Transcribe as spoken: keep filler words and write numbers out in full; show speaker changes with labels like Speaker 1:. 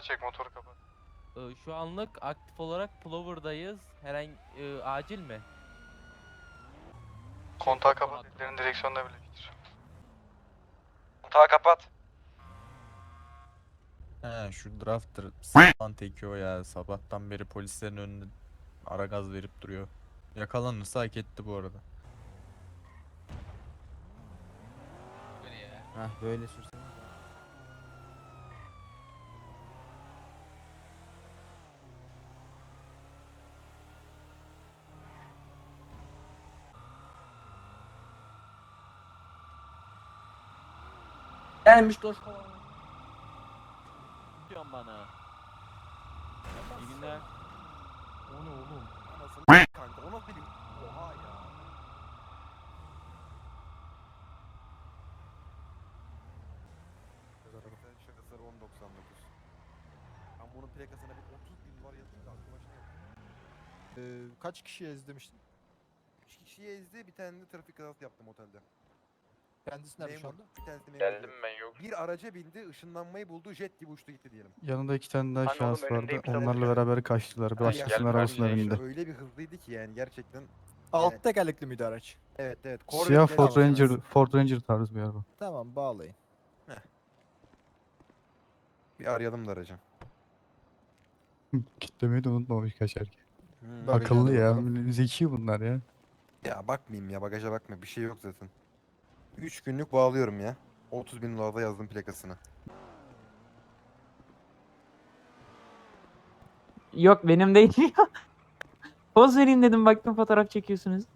Speaker 1: çek, motoru kapat.
Speaker 2: Ee, Şu anlık aktif olarak Plover'dayız. Herhangi e, acil mi?
Speaker 1: Kontağı kapat, ellerin direksiyonda bile getir.
Speaker 3: Kontağı kapat.
Speaker 4: He şu drafter s***an teki o ya. Sabahtan beri polislerin önünde ara gaz verip duruyor. Yakalanırsa hak etti bu arada.
Speaker 5: Hah böyle sürsene.
Speaker 2: Gelmiş dost. Diyorsun bana. İyi günler.
Speaker 3: O ne oğlum? Anasını kanka o nasıl benim? Oha ya. Şakasları on doksan dokuz. Ben bunun plakasına bir otuz bin var yazayım da aklıma şey yok.
Speaker 6: Ee, kaç kişi ezdirmiştin?
Speaker 3: üç kişiyi ezdi, bir tane de trafik kazası yaptım otelde.
Speaker 6: Kendisi nerede şu
Speaker 3: Memur,
Speaker 6: anda?
Speaker 3: bir tanesi memur.
Speaker 7: Geldim ben yok.
Speaker 3: Bir araca bindi, ışınlanmayı buldu, jet gibi uçtu gitti diyelim.
Speaker 8: Yanında iki tane daha
Speaker 7: Hani
Speaker 8: şahıs
Speaker 7: oğlum
Speaker 8: vardı.
Speaker 7: önündeyim, sen
Speaker 8: Onlarla
Speaker 3: otur.
Speaker 8: beraber kaçtılar.
Speaker 3: Ha,
Speaker 8: Başkasının
Speaker 3: gel,
Speaker 8: arabasına
Speaker 7: karşıya
Speaker 8: bindi.
Speaker 3: Öyle bir hızlıydı ki yani gerçekten.
Speaker 6: Alt tekerlekli miydi araç?
Speaker 3: Evet evet.
Speaker 8: Siyah
Speaker 3: Corvette
Speaker 8: Ford
Speaker 3: bile-
Speaker 8: Ranger, Ford Ranger tarzı bir araba.
Speaker 6: Tamam bağlayın.
Speaker 3: Bir arayalım da aracı.
Speaker 8: Kitlemeyi de unutmamış kaçarken.
Speaker 3: Hmm.
Speaker 6: Bagajına
Speaker 8: Akıllı
Speaker 6: da
Speaker 8: ya.
Speaker 6: bakalım.
Speaker 8: Zeki bunlar ya.
Speaker 3: Ya bakmayayım ya, bagaja bakma, bir şey yok zaten. üç günlük bağlıyorum ya. otuz bin dolarda yazdım plakasını.
Speaker 9: Yok benim değil ya. Poz vereyim dedim baktım fotoğraf çekiyorsunuz.